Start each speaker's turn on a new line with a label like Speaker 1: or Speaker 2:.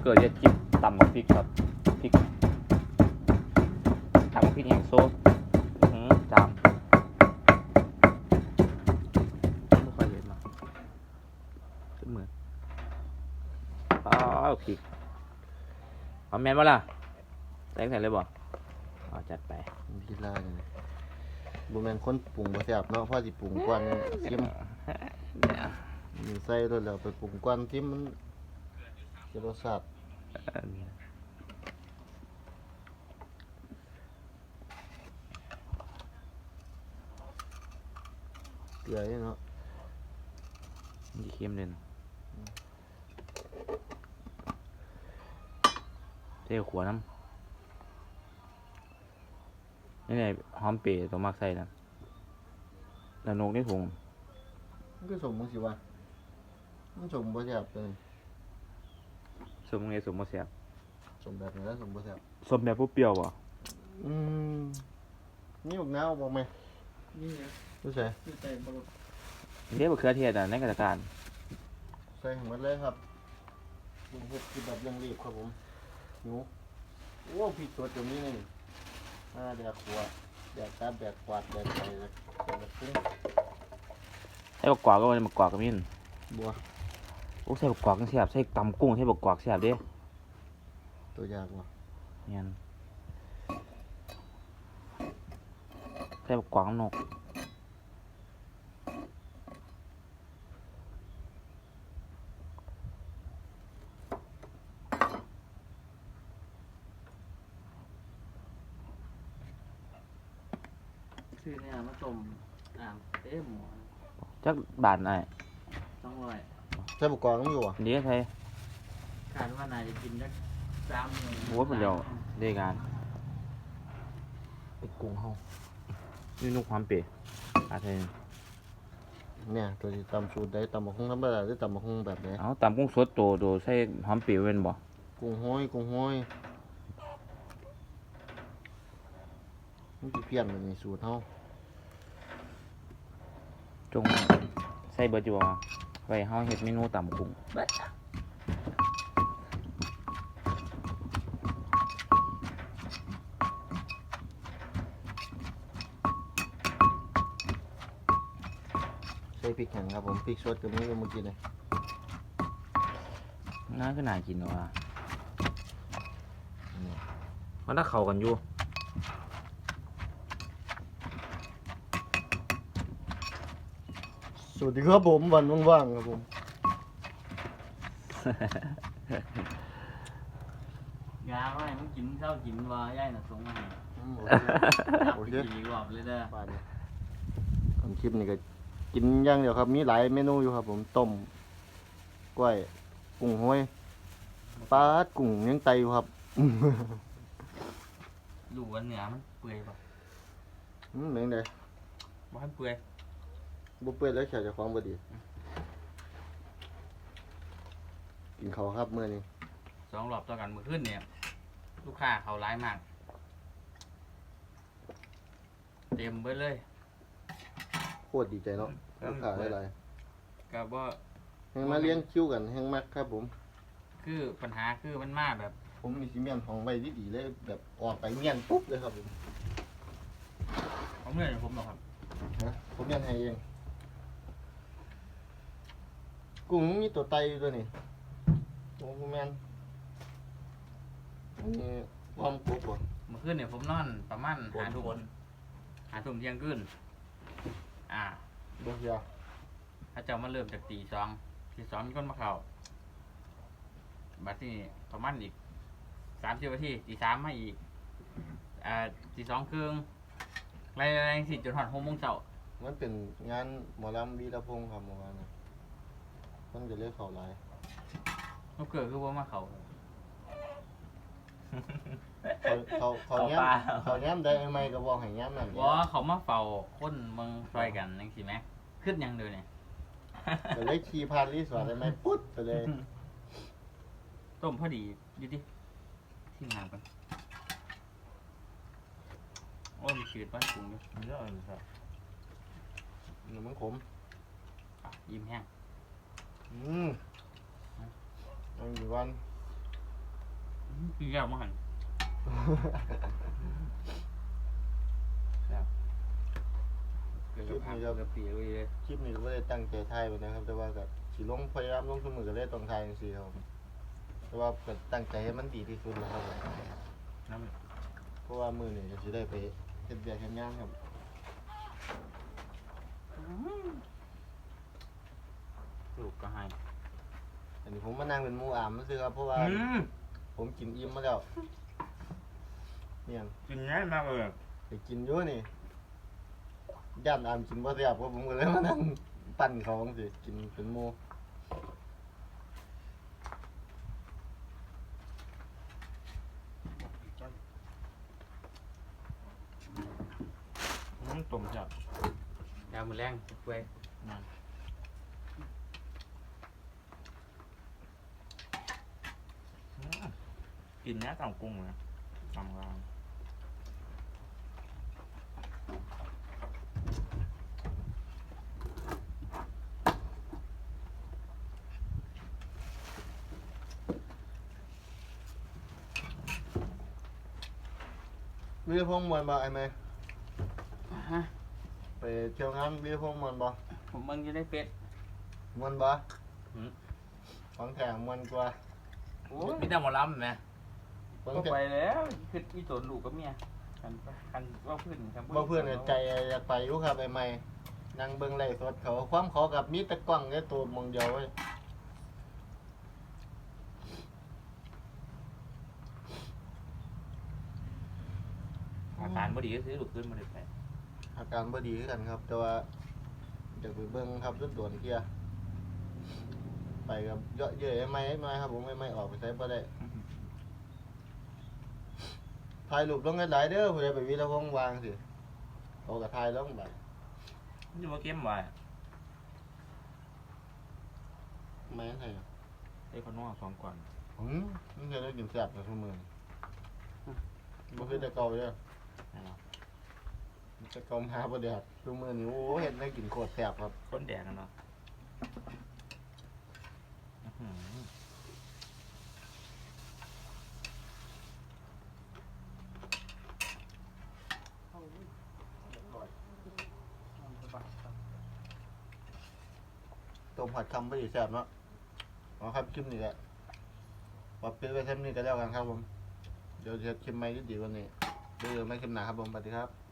Speaker 1: กิดจะจิบต่ำกว่าพริกครับพริกต่ำกว่าพริกแห้งโซ่จามไม่ค่อยเห็นมาขึ้นมือพริกเอาแมนวะล่ะใส่เลยบ่เอาจัดไป
Speaker 2: พิซซ่าเลยบุแมนคนปรุงบ่แซ่บเนาะพ่อสิปรุงก่อนชิมใส่ตัวแล้วไปปรุงก่อนชิมมันจะรสชาติเกลือเนาะ
Speaker 1: นี่เค็มเลยเท่ขวน้ำนี่ไงหอมเปรี้ยวตัวมักใส่นะแล้วนกนี่ถุง
Speaker 2: มันก็สมมึงสิวะมันสมบ่แซ่บเลย
Speaker 1: สมไงสมบ่แซ่บ
Speaker 2: สมแบบไหนแล้วสมบ่แซ่บ
Speaker 1: สมแบบผู้เปรี้ยวบ่
Speaker 2: นี่บักนาวบอกไหม
Speaker 3: นี่
Speaker 2: รู้ใส่
Speaker 3: ใส่บะ
Speaker 1: เรียกว่าเครือเทศในกิจการ
Speaker 2: ใส่หมดเลยครับผมเฮ็ดคือแบบเร่งรีบครับผมหิวโอ้พริกสดตรงนี้นี่แดกขวดแดกตับแดกกวาดแดกไก่แดกกุ้ง
Speaker 1: ใส่บักกวาดก็มันบักกวาดก็มีน
Speaker 2: บัว
Speaker 1: โอ้ใส่บักกวาดกันแซ่บใส่ตำกุ้งใส่บักกวาดแซ่บเด้
Speaker 2: ตัวยากว่ะ
Speaker 1: เนี่ยใส่บักกวาดนก
Speaker 3: ซื้อเนี่ยมาต้มเต็มหมอ
Speaker 1: จักบาทไหน
Speaker 3: 200
Speaker 2: ใส่บุกกองต้องอยู่อ่ะ
Speaker 1: เดี๋ยวใส่
Speaker 3: คาดว่าน่าจะกินได้30,000
Speaker 1: โอ้ยมันเดียวได้งานไอ้กุ้งเฮานี่นุ่มความเป๋อาเทน
Speaker 2: เนี่ยตัวที่ตำสูตรได้ตำบักหุ่งธรรมดาหรือตำบักหุ่งแบบไหน
Speaker 1: เอาตำกุ้งสดโตใส่หอมเป๋เป็นบ่
Speaker 2: กุ้งห้อยมันสิเพี้ยนแบบนี้สูตรเฮา
Speaker 1: จงใส่เบอร์จัวไว้เฮาเฮ็ดเมนูตำกุ้ง
Speaker 2: ใส่พริกแห้งครับผมพริกสดกับนี้เมื่อกี้เลย
Speaker 1: น่าก็น่ากินว่ะมันน่าเข้ากันอยู่
Speaker 2: สวัสดีครับผมวันว่างๆครับผม
Speaker 3: ยาว่ามึงกินข้าวกินว่าย่ายน่ะส่งมาให้โอเคอีกรอบเลยเด้อ
Speaker 2: ผมคลิปนี้ก็กินอย่างเดียวครับมีหลายเมนูอยู่ครับผมต้มกล้วยกุ้งห้อยปลากุ้งยังไตอยู่ครับ
Speaker 3: ดูว่าเนื้อมันเปื่อยป่ะ
Speaker 2: เหมือนไง
Speaker 3: บ่ให้เปื่อย
Speaker 2: บุเป้แล้วแขกจะคล้องบดีกินเขาครับเมื่อนี้
Speaker 3: 2 รอบต่อกันมื้อคืนเนี่ยลูกค้าเขาร้ายมากเต็มไปเลย
Speaker 2: โคตรดีใจเนาะลูกค้าหลาย
Speaker 3: ก็บ่
Speaker 2: แห่งมาเลี้ยงคิวกันแห่งมักครับผม
Speaker 3: คือปัญหาคือมันมาแบบ
Speaker 2: ผมมีซีเมนต์ของใบดีๆเลยแบบออกไปเมียนปุ๊บเลยครับผม
Speaker 3: เขาเมื่อยผมหรอครับ
Speaker 2: ผมเมียนให้เองกุ้งมีตัวไตอยู่ตัวนี้โอ้แมนอันนี้ความกรุบบ่
Speaker 3: เมื่อคืนเนี่ยผมนอนประมาณ5 ทุ่มเที่ยงคืน
Speaker 2: บ่ยา
Speaker 3: ถ้าเจ้ามาเริ่มจากตี 2มีคนมาเข้าบัดนี้ประมาณอีก30 นาทีตี 3มาอีกตี 2 ครึ่งไล่ๆสิจนถึง6 โมงเช้า
Speaker 2: มันเป็นงานหมอลำวีรพงษ์ครับเมื่อวานนะมันจะเรียกเขาหลาย
Speaker 3: เขาเกิดคือว่ามาเขา
Speaker 2: แง้มได้ไหมก็บอกให้แง้มนั่น
Speaker 3: ว่าเขามาเฝ้าคนเมืองซอยกันจังซี่แหมขึ้นยังเด้อเนี่ย
Speaker 2: ก็เลยขี่ผ่านรีสอร์ทได้ไหมปุ๊บไปเลย
Speaker 3: ต้มพอดีอยู่ดิที่งานกันโอ้ยมันชืดไปปรุงอยู่
Speaker 2: เยอะเลยครับมันขม
Speaker 3: ยิ้มแห้ง
Speaker 2: อันนี้วัน
Speaker 3: กินยากมากหันเกือบเกือบปีเลย
Speaker 2: คลิปนี้ก็ไม่ได้ตั้งใจถ่ายไปนะครับ แต่ว่าก็สิลงพยายามลงทุกมือก็เลยต้องถ่ายจังซี่ครับแต่ว่าก็ตั้งใจให้มันดีที่สุดแล้วครับผม
Speaker 3: น้ำ
Speaker 2: เพราะว่ามือนี่ก็สิได้ไปเฮ็ดเวียกเฮ็ดงานครับ
Speaker 3: ลูกก็ให้
Speaker 2: อันนี้ผมมานั่งเป็นหมู่อามซื่อครับเพราะว่าผมกินอิ่มมาแล้วเนี่ย
Speaker 3: กินง่ายมากเลย
Speaker 2: ไปกินอยู่นี่ย่านอามกินบ่แซ่บเพราะผมก็เลยมานั่งปั่นเขาจังซี่กินเป็นหมู่
Speaker 3: ตุ่มจับยามือแรงเว้ยกินเนี้ยต่ำกุ้งนะต่ำกลาง
Speaker 2: วิวพงมวนบ่ไอ้แม่
Speaker 3: ฮะ
Speaker 2: ไปเที่ยวงานวิวพงมวนบ่
Speaker 3: ผมมึงจะได้เฟซ
Speaker 2: มวนบ่ของแถมมวนกว่า
Speaker 3: โอ้ยมีแต่หมอลำไหม
Speaker 2: ของ
Speaker 3: ก็
Speaker 2: แถ
Speaker 3: ไป
Speaker 2: ม
Speaker 3: แล้วคือมีสนลูกกับเมียกันว่าเพื่อนกัน
Speaker 2: บ่เพื่อนก็ใจอยากไปอยู่ครับไอ้แม่นั่งเบิ่งไลฟ์สดเขาความขอกับมีแต่กล้องแค่ตัวมองเดียวเว้ย
Speaker 3: อาการบ่ดีก็ซื้อลูกขึ้นมาเลยไป
Speaker 2: อาการบ่ดีคือกันครับ แต่ว่าอยากไปเบิ่งครับรถด่วนเที่ยไปกับเยอะเยอะไอ้ไม้ไอ้ไม้ครับผมไอ้ไม้ออกไปใช้บ่ได้ถ่ายรูปลงหลายๆเด้อผู้ใดไปวิรพงษ์วางสิเอากระถ่ายลงไป
Speaker 3: มันจะมาเข้มไว้
Speaker 2: แม่นให้
Speaker 3: ไอ้คนนอกสองก่อน
Speaker 2: มันจะได้กินแซ่บในทุกมื้อบ่คือแต่เก่าเด้อแต่เก่าหาบ่ได้ทุกมื้อนี้โอ้เฮ็ดได้กินโคตรแซ่บครับ
Speaker 3: คนแดกกันเนาะ
Speaker 2: ต้มผัดคำบ่ได้แซ่บเนาะเอาครับคลิปนี้แหละปรับเปลี่ยนไปเทปนี้ก็แล้วกันครับผมเดี๋ยวจะคลิปใหม่ดีๆกว่านี้เดี๋ยวไม่คลิปหน้าครับผมสวัสดีครับ